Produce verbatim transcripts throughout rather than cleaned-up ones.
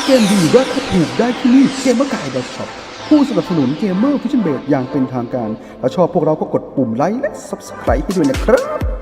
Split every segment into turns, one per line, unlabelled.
เกมดีราคาถูกได้ที่นี่เกมเมอร์กายดอทช็อปผู้สนับสนุนเกมเมอร์ฟิชเชนเบดอย่างเป็นทางการถ้าชอบพวกเราก็กดปุ่มไลค์และ ซับสไครบ์ ให้ด้วยนะครับ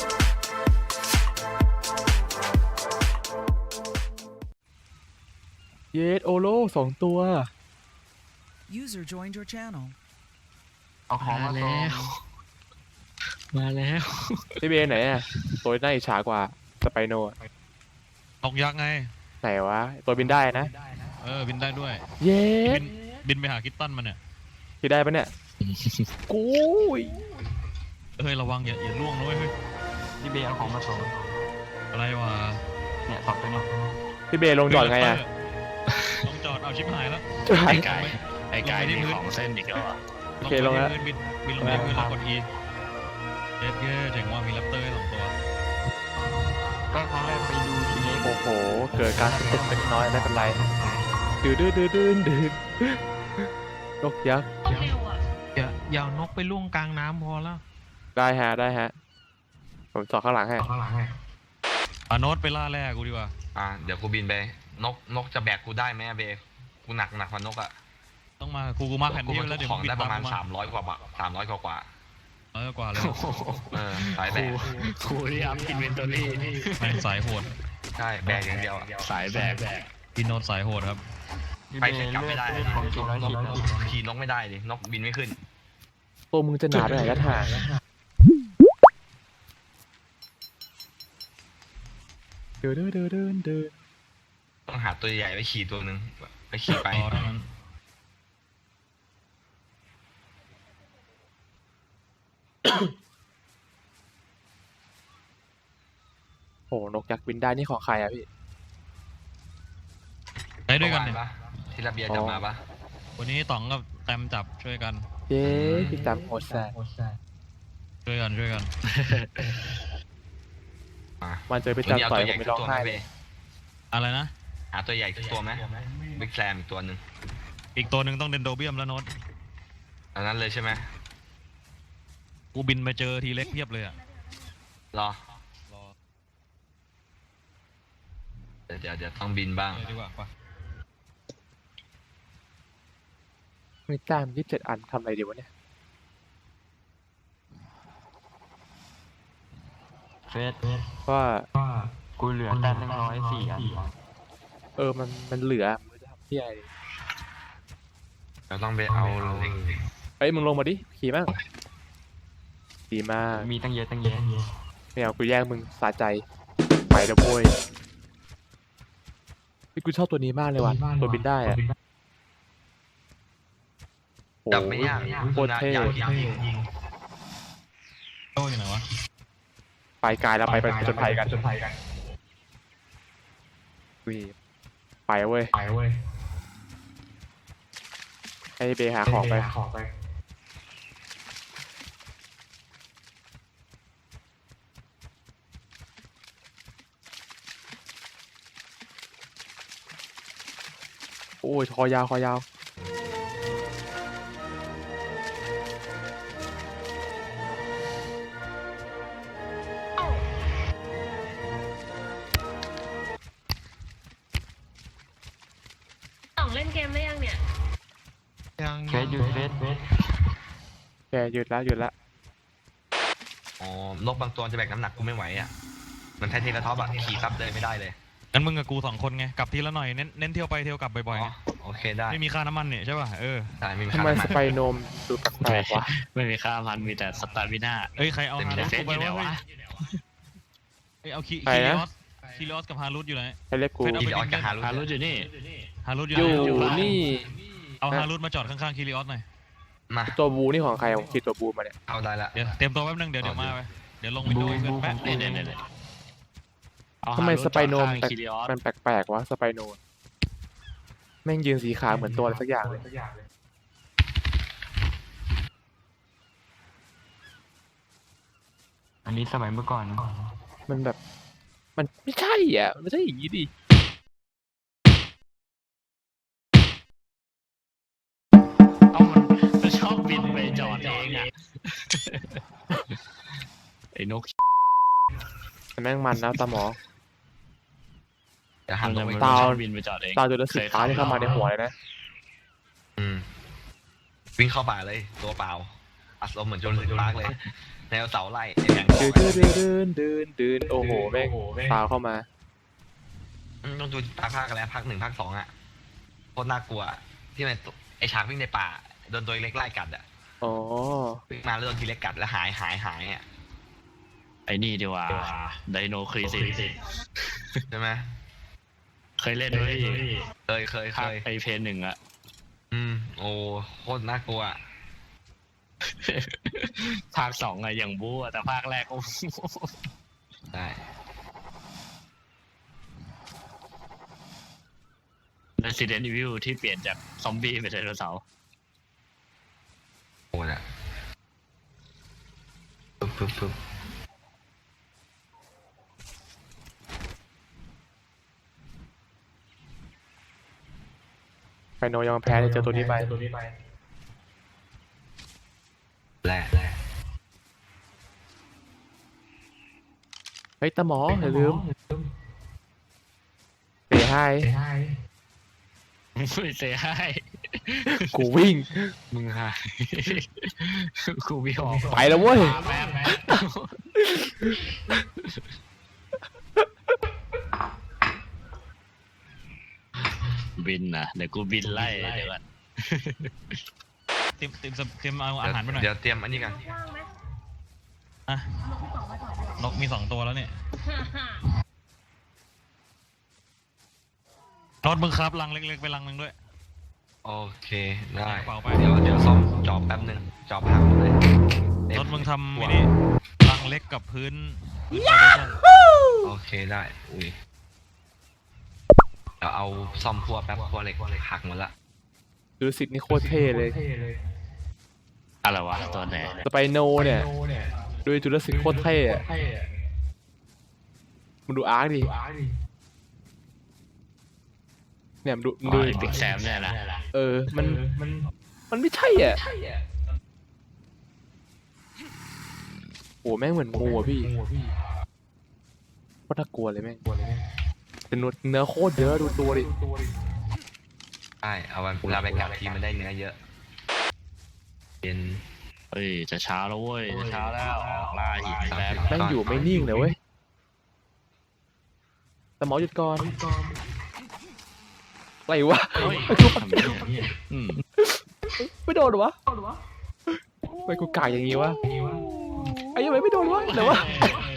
เยสโอโลสองตัว
User joined your channel.
เอาของมาแล้ว มาแล้ว
พี่เบย์ไหนอ่ะตัวน่าอิจฉากว่าสไปโนอะ
นกยักษ์ไง
ไหนวะตัวบินได้นะ
เออ บินได้ด้วย
เย
บิ
ส
นบินไปหาคิตตันมันเนี่ย
พี่ได้ปะเนี่ยกูย
เฮ้ย ระวังอย่าอย่าล่วงด้วยเฮ้ย
พี่เบย์เอาของมาส่ง
อะไรวะ
เนี่ยสองตัวนี้
พี่เบย์ลงจอดไงอ่ะ
ลงจอดเอาชิบหายแล้ว
ไอ้ไก่ไอ้ไก่มีของเส้นอีกแล้วอ่ะ
โอเคลงแล้ว
บินบินบินลงที่พื้นแล้วกด E เย็ดเย่เจ๋งว่ามีแรปเตอร์ให้สองตัว
ก็ครั้งแรกไปดูทีเล็ก
โอ้โหเกิดการติดเป็นน้อยไม่เป็นไรดื้อดื้อดื้อดื้อดื้อนกยักษ์
อย่าอย่าเอานกไปล่วงกลางน้ำพอแล้ว
ได้ฮะได้ฮะผมจอดข้างหลังให้
ข้างหลังให้
อ่ะโน้ตไปล่าแร่กูดีกว่า
อ่าเดี๋ยวกูบินไปนกนกจะแบกกูได้ไหมอะเบย์กูหนักหนักกว่านกอ่ะ
ต้องมากูกูมาแผ่น
กู
ที่
บรร
แล้
ทุ
ว
ก
เดี๋ยว
ของได้ประมาณ
บินต
สามร้อยกว่าบาทสามร้อยกว่ากว่า
เออกว่าเลย
เออสายแบก
ครูที่อัพอินเวนทอรี่
แม่งสายโหด
ใช่แบกอย่างเดียวอะ
สายแบก
พี่โน้ตสายโหดครับ
ไปเสร็จกลับไม่ได้
เลือของจริงร้อยชิ้นแล้ว
ขี่นกไม่ได้ดินกบินไม่ขึ้น
ตัวมึงจะหนาไปไหนกันห่างเดินเดินเดินเดินเดิน
ต้องหาตัวใหญ่ไปขี่ตัวหนึ่งไปขี่ไป
ต่อเท่านั้น
โอ้นกยักษ์บินได้นี่ของใครอะพี่
ไปด้วยกันเนี่ย
ปะที่ระเบียร์จะมาปะ
วันนี้ต๋องกับแตมจับช่วยกัน
เย้พี่จำโหดแซ่
ช่วยกันช่วยกัน
มา
มันเจอพี่
วันนี้
จำ
เอา
ต่อย
ตัวให
ผ
ญ่
มไม่
สั
ร้
ก
อง
ตัวไหม
ไห้
เบ
เลย
ย์
อะไรนะ
หาตัวใหญ่สักตัวไหมบิ๊กแซมอีกตัวหนึ่ง
อีกตัวหนึ่งต้องเดนโดเบียมแล้วโน้ต
อันนั้นเลยใช่ไหม
กูบินไปเจอทีเล็กเพียบเลยอะ
รอ
รอ
เดี๋ยวเดี๋ยวเดี๋ยวต้องบินบ้าง
เลยดีกว่าปะ
มีแต้มยี่สิบเจ็ดอันทำอะไรดีวะเนี่ย
เฟส
ว่า
กูเหลือแต้มหนึ่งร้อยสี่อัน
เออมันมันเหลือมึงจะทำที่อะไรดี
เราต้องไปเอาเหล็ก
เฮ้ยมึงลงมาดิขี่บ้างดีมาก
มีตั้งเยอะตั้งเยอะ
ไม่เอากูแย่งมึงสาใจไปเดี๋ยวโวยพี่กูชอบตัวนี้มากเลยว่ะตัวบินได้อะโอ้
จับไม่ยาก
โคตรเท่
ยากยากยิงยิง
โต้อยู่ไหนวะ
ไปกายแล้วไปไปจนภัยกัน
จนภัยกัน
อุ้ยไปเว้ย
ไปเว้ย
ให้เบหาของไป
ของไป
โอ้ยคอยาวคอยาว
ต่องเล่นเกมได้ยังเนี่ย
ยัง
เฟสอยู่เฟสเฟส
แกหยุดแล้วหยุดแล้ว
อ๋อนกบางตัวจะแบกน้ำหนักกูไม่ไหวอ่ะมันแท้เทกระท็อปอ่ะขี่ซับเดินไม่ได้เลย
งั้นมึงกับกูสองคนไง กลับทีละหน่อย เน้นเน้นเที่ยวไปเที่ยวกลับบ่อยๆ
อ๋
ไง
อโอเคได้
ไม่มีค่าน้ำมันเนี่ยใช่ป่ะ เออ
ได้ไม่มี
ทำ
ค่า
ไม
น้ำ
ส
มัน
ไปโนมดูแปลกๆวะ
ไม่มีค่าพันมีแต่สตาร์วิน่า
เอ้ย ใครเอา
เต็ม
ฮา
เล
รุ
ย
สกูไป
เฟซอยู่ไหน
วะ
วะ
เฮ้ยเอาคี
ใคร
คีริ
นะ
ออสคีริออสกับฮารุสอยู่ไหน
ให้เรียกกู
เฟซเอา
ขี่ออกจากหารุ
ฮารุอยู่นี่
ฮารุสอ
อยู่
ไหน
นี่
เอาฮารุสมาจอดข้างๆคีริออสหน่อย
มา
ตัวบูนี่ของใครผมคิดตัวบูมาเนี่ย
เอาได้ละ
เดี๋ยวเตรียมตัวแป๊บนึง เดี๋ยวเดี๋ยวมาไป เดี๋ยวลงวินโดว์ให้เพื่อนแป๊บ
เนี่ยเนี่ยเนี่ย
ทำไมสไปโนม
แป
แปลก
คิริออส
มันแปลกๆวะสไปโนแม่งยืนสีขาเหมือนตัวอะไรสักอย่างเลย
อันนี้สมัยเมื่อก่อน
มันแบบ มันไม่ใช่อ่ะมันไม่ใช่อย่างนี้ดิ
เอามันมันชอบบินไปจอดเองอ่ะ ไอ้นก
แต่แม่งมันนะตาหมอ
จะหันลงไป
ตา
ก่อน
บินไปจอดเอง
ตาจุลศิษย์ฟ้าที่เข้ามาในหัวเลยนะ
อืมวิ่งเข้าป่าเลยตัวเปล่าอารมณ์เหมือนโจรสิงห์ปาร์กเลยแนวเสาไล่ไอ้แบงค์
เดินเดินเดินเดินเดินโอ้โหแม่งตาเข้ามา
อืมต้องดูตาภาคกันแล้วภาคหนึ่งภาคสองอ่ะโคตรน่ากลัวที่มันไอ้ฉากวิ่งในป่าโดนตัวเล็กไล่กัดอ่ะ
อ๋อ
วิ่งมาแล้วโดนทีเล็กกัดแล้วหายหายหายอ่ะ
ไอ้นี่ดีกว่าไดโนครีซิส
ใช่ไหม
เคยเล่นด้วย
เคยเคยเค
ภาค
ย
ไอเพนหนึ่งอะ
อืมโอ้โคตรน่ากลัว
ภาคสองอะอย่างบู๊อะแต่ภาคแรกโอ้
ได้
Resident Evil ที่เปลี่ยนจากซอมบี้เป็นไดโนเสาร์
โอ้น่ะปึ๊บปึ๊บปึ๊บ
ไฟโนยังแพ้เลยเจอตัวนี้ไป
แร่แร่
เฮ้ยตาหมออย่าลืมเตะให้
ไม่เสียให้
กูวิ่ง
มึงหายกูไม่ออก
ไปแล้วเว้ย
แป๊บแป๊บบินนะเดี๋ยวกูบินไล่เดี๋ยวก่อน
เตรียมเตรียมเตรียมเอาอาหารไปหน่อย
เดี๋ยวเตรียมอันนี้กัน
ว่างไหม
อ่ะ
นกที่สองมาต่อเลย
นกมีสองตัวแล้วเนี่ยรถมึงครับลังเล็กๆไปลังหนึ่งด้วย
โอเคได้
เปล่าไป
เดี๋ยวเดี๋ยวซ่อมจอบแป๊บหนึ่งจอบพังเลย
รถมึงทำมินิลังเล็กกับพื้นพื้นฟาวเดชั่น
โอเคได้อุ้ยเดี๋ยวเอาซ่อมพัวแป๊บพัวเหล็กหักหมดละ
ดูสินี่โคตรเท่เลย
อะไรวะตัวไหน
สไปโนเนี่ยดูจุลศิษย์โคตรเท่อะมึงดูอาร์คดิเนี่ยมึงดูมึง
ดู
ดู
บิ๊กแซมเนี่ยนะ
เออมันมันมันไม่ใช่อ่ะโอ้แม่งเหมือนงูอ่ะพี่โคตรน่ากลัวเลยแม่งแต่เนื้อโคตรเยอะดูตัวดิ
ใช่เอาวันเวลาไปกัดทีมันได้เนื้อเยอะเป็น
เฮ้ยจะเช้าแล้วเว้ยจะเช้าแล้วออกล่าหินแป๊บ
แม่งอยู่ไม่นิ่งเลยเว้ยแต่หมอหยุดก่อนอะไรวะ
เฮ้ยทำเนี่ยอืม
ไม่โดนเหรอวะทำไมกูกากอย่างงี้วะไอ้ยังไงไม่โดนวะเดี๋ยววะ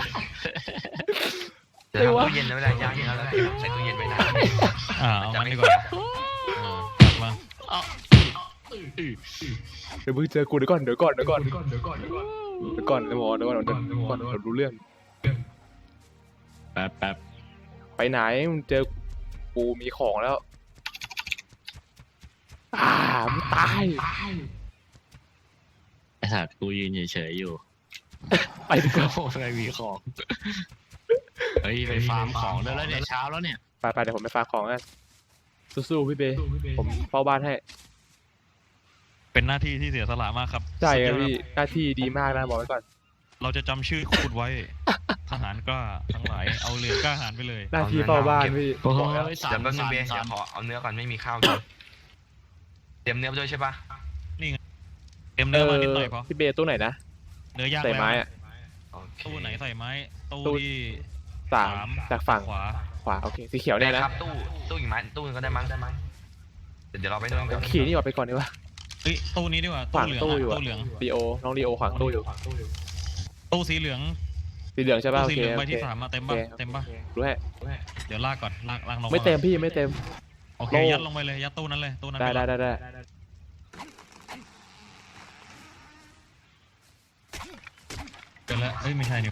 เดี๋ยวทำตู้เย็นแล้วไม่ได้ย่างแล้วแล้วใส่ตู้เย็นไปนาน
อ่าเอามันดีกว่าจับมา
เดี๋ยวมึงเจอกูเดี๋ยวก่อนเดี๋ยวก่อนเดี๋ยวก่อนเดี๋ยวก่อนเดี๋ยวก่อนเดี๋ยวก่อนเดี๋ยวก่อนเดี๋ยวก่อนเดี๋ยวก่อนเดี๋ยวรู้เรื่อง
แป๊บแป๊บ
ไปไหนมึงเจอกูมีของแล้วอ่ามึงตาย
ไอ้สัตว์กูยืนเฉยๆอยู่
ไปดีกว่า
โอ้ยมีของเฮ้ยไปฟาร์มของได้แล้วเนี่ยเช้าแล้วเนี่ย
ไปไปเดี๋ยวผมไปฝากของกันสู้ๆพี่เบย์ผมเฝ้าบ้านให้
เป็นหน้าที่ที่เสียสละมากครับ
ใช่ครับ
สุดยอด
พี่หน้าที่ดีมากนะบอกไว้ก่อน
เราจะจำชื่อคุณไว้ ทหารกล้าทั้งหลายเอาเรือกล้าหาญไปเลย
หน้าที่เฝ้าบ้านพี่
โอ้
บอกแล้ว
ยสา
เดี๋ย
ม
วแป๊บนึง
สาม
เบย์
สา
เดี๋ย
ม
วขอเอาเนื้อก่อนไม่มีข้าวกินเตรียมเนื้อไปด้วยใช่ปะ
เตรียมเนื้อมานิดหน่อยพอ
พี่เบย์ตู้ไหนนะ
เนื้อย่าง
ใส่
แล้ว
ไม้อะ
โอเค
ตู้ไหนใส่ไม้ตู้
ตู้
ที่
สาม
สาม
จากฝั่ง
ขวา
ขวาโอเคสีเขียวเนี่ยนะ
ครับตู้ตู้อีกไม้ตู้นึงก็ได้มั้งได้มั้งเดี๋ยวเดี๋ยวเราไปนู่นกัน
ขี่นี่ออกไปก่อนดีกว่า
เอ้ยตู้นี้ดีกว่า
ขวาง
ตู้เหลือง
ตู้อยู่
อะ
อะ
ตู้เหลือง
ลีโอน้องลีโอขวางตู้อยู่
ตู้สีเหลือง
สีเหลืองใช่ป่ะ
ตู้
โอ
สี
เค
เหลือง
โอ
ใบ
เค
ที่สามมาเต็ม
โอ
ป่ะ
เค
เต็มป่ะ
รู้ให้
เดี๋ยวลากก่อนลากลากลง
ไม่เต็มพี่ไม่เต็ม
โอเค
โล่
ยัดลงไปเลยยัดตู้นั้นเลยตู้นั้น
ได้
ป
ได้
เลย
ได้ได้
เดี๋ยวแล้วเอ้ยไม่ใช่นี่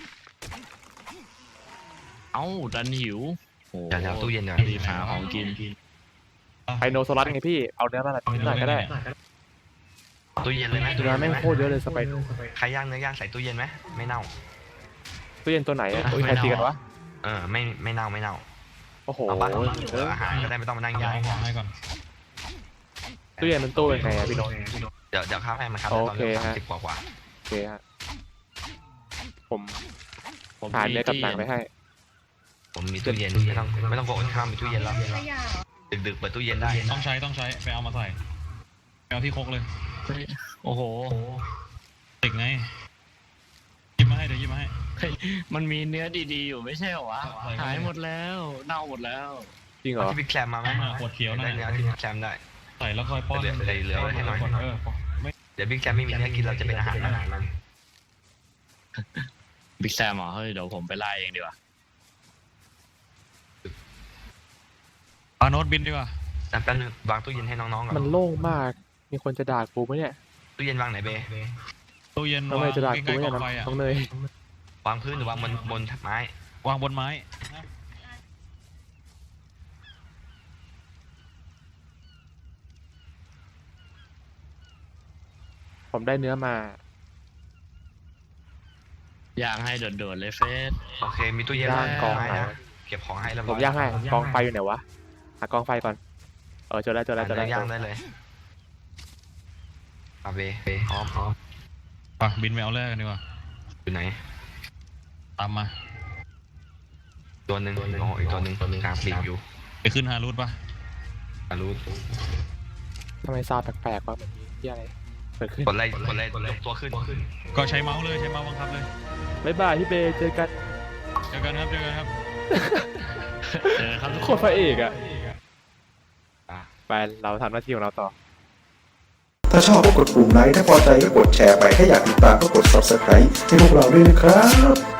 เอ้าดันหิวโอ้
เดี๋ยวเดี๋ยวตู้เย็นหน่อย
รีบหาของกิน
ไอโนโซลัสไงพี่เอาเนื้อมานิดหน่อยก็ได้
ตู้เย็นเลยไหม
เนื้อแม่งโคตรเยอะเลยสไปโน
ใครย่างเนื้อย่างใส่ตู้เย็นไหมไม่เน่า
ตู้เย็นตัวไหนอะอุ้ยใครตีกันวะ
เออไม่ไม่เน่าไม่เน่า
โอ้โห
เอาบ้าน
เอ
เออ
อ
อาหารก็ได้ไม่ต้องมานั่ง
เอา
ย่าง
ของให้ก่อน
ตู้เย็นมันตู้เป็นไงอะพี่โนน
เดี๋ยวเดี๋ยวข้าวให้มันครับ
โอ
ตอน
เค
นี้
ฮะ
สิบกว่ากว่า
โอเคฮะผม
ผม
หาเนื้อกับหนังไปให้
ผมมีตู้เย็นไม่ต้องไม่ต้องกลัวอดข้าวมีตู้เย็นแล้ว
ขยะเหรอ
ดึกๆเปิดตู้เย็นได้
ต้องใช้ต้องใช้ไปเอามาใส่ไปเอาที่ครกเลย
เฮ้ยโอ้โห
ติกไงหยิบมาให้เดี๋ยวหยิบมาให้
เฮ้ยมันมีเนื้อดีๆอยู่ไม่ใช่เหรอวะ
ใส่เข้าไป
หายหมดแล้วเน่าหมดแล้ว
จริงเหร
เอา
อ
ที่บิ๊กแคลมมาไหม
อ่าขวดเขียวนั่น
ได้
น่ะ
เนื้อที่บิ๊กแคลมได้
ใส่แล้วค่อยป้อน
เหลือเหลือไว้ให้หน่อย
เออไม่
เดี๋ยวบิ๊กแคลมไม่มีเนื้อกินเราจะเป็นอาหารมัน
บิ๊กแซมเหรอเฮ้ยเดี๋ยวผมไปไล่เองดีกว่า
ปาโน้ตบินดีกว่า
แต่แป๊บนึงวางตู้เย็นให้น้องๆก่อน
มันโล่งมาก มีคนจะด่ากูไหมเนี่ย
ตู้เย็นวางไหนเบ
ตู้เย็น
ทำ
วา
ไม
ง
จะด่า
ใก
กู
ล้ๆ
ไม่
กอ
เนี่ย
งไฟอ่ะ
น้องเนยว
างพื้นหรือวางบนบนไม้
วางบนไม้
ผมได้เนื้อมา
ย่างให้โดดๆเลยเฟส
โอเคมีตู้เย็น
ย่าง
วาง
กอง
ไม้
ไหน
นะเก็บของให้แล้ว
ผมย่างให้กองไฟอยู่ไหนวะ หากองไฟก่อน เออเจอแล้วเจอแล้วเจอแล้ว
ย่างได้เลยอาเบพร้อมพร้อม
ไปบินไปเอาแรกกันดีกว่า
อยู่ไหน
ตามมา
ตัวหนึ่งโอ้อีกตัวหนึ่งกลางปีกอยู่
ไปขึ้นฮารูทปะ
อารู้
ทำไมซาวด์แปลกๆวะแบบนี้ที่อะไรเกิดขึ้น
กดไล่กดไล่ยกตัวขึ้น
ก็ใช้เมาส์เลยใช้เมาส์บังคับเลย
บ๊ายบายพี่เบย์เจอกัน
เจอกันครับเจอกันครับ
เออครับทุก
โค
คน
ตรพระเอกอะ
อ่ะ
ไปเราทำหน้าที่ของเราต่อ
ถ้าชอบก็กดปุ่มไลค์ถ้าพอใจก็กดแชร์ไป ถ้าอยากติดตามก็กด ซับสไครบ์ ให้พวกเราด้วยนะครับ